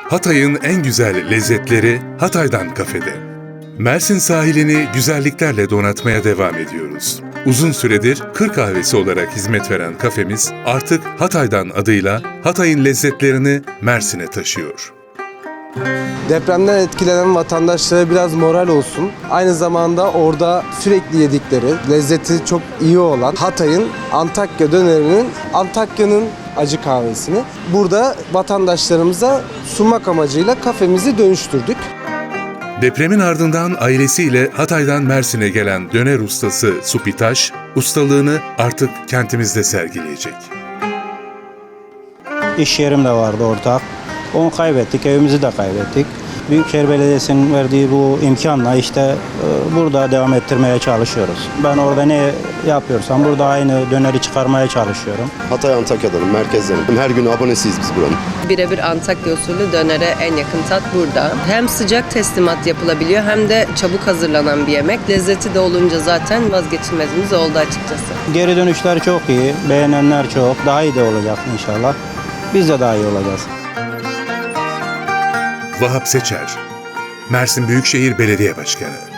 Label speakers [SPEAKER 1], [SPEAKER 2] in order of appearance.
[SPEAKER 1] Hatay'ın en güzel lezzetleri Hatay'dan kafede. Mersin sahilini güzelliklerle donatmaya devam ediyoruz. Uzun süredir Kır Kahvesi olarak hizmet veren kafemiz artık Hatay'dan adıyla Hatay'ın lezzetlerini Mersin'e taşıyor.
[SPEAKER 2] Depremden etkilenen vatandaşlara biraz moral olsun. Aynı zamanda orada sürekli yedikleri, lezzeti çok iyi olan Hatay'ın Antakya dönerinin, Antakya'nın acı kahvesini burada vatandaşlarımıza sunmak amacıyla kafemizi dönüştürdük.
[SPEAKER 1] Depremin ardından ailesiyle Hatay'dan Mersin'e gelen döner ustası Supitaş, ustalığını artık kentimizde sergileyecek.
[SPEAKER 3] İş yerim de vardı ortak. Onu kaybettik, evimizi de kaybettik. Büyükşehir Belediyesi'nin verdiği bu imkanla işte burada devam ettirmeye çalışıyoruz. Ben orada ne yapıyorsam burada aynı döneri çıkarmaya çalışıyorum.
[SPEAKER 4] Hatay Antakya'danım, merkezdenim. Her gün abonesiyiz biz buranın.
[SPEAKER 5] Birebir Antakya usulü dönere en yakın tat burada. Hem sıcak teslimat yapılabiliyor hem de çabuk hazırlanan bir yemek. Lezzeti de olunca zaten vazgeçilmezimiz oldu açıkçası.
[SPEAKER 3] Geri dönüşler çok iyi, beğenenler çok. Daha iyi de olacak inşallah. Biz de daha iyi olacağız.
[SPEAKER 1] Vahap Seçer, Mersin Büyükşehir Belediye Başkanı.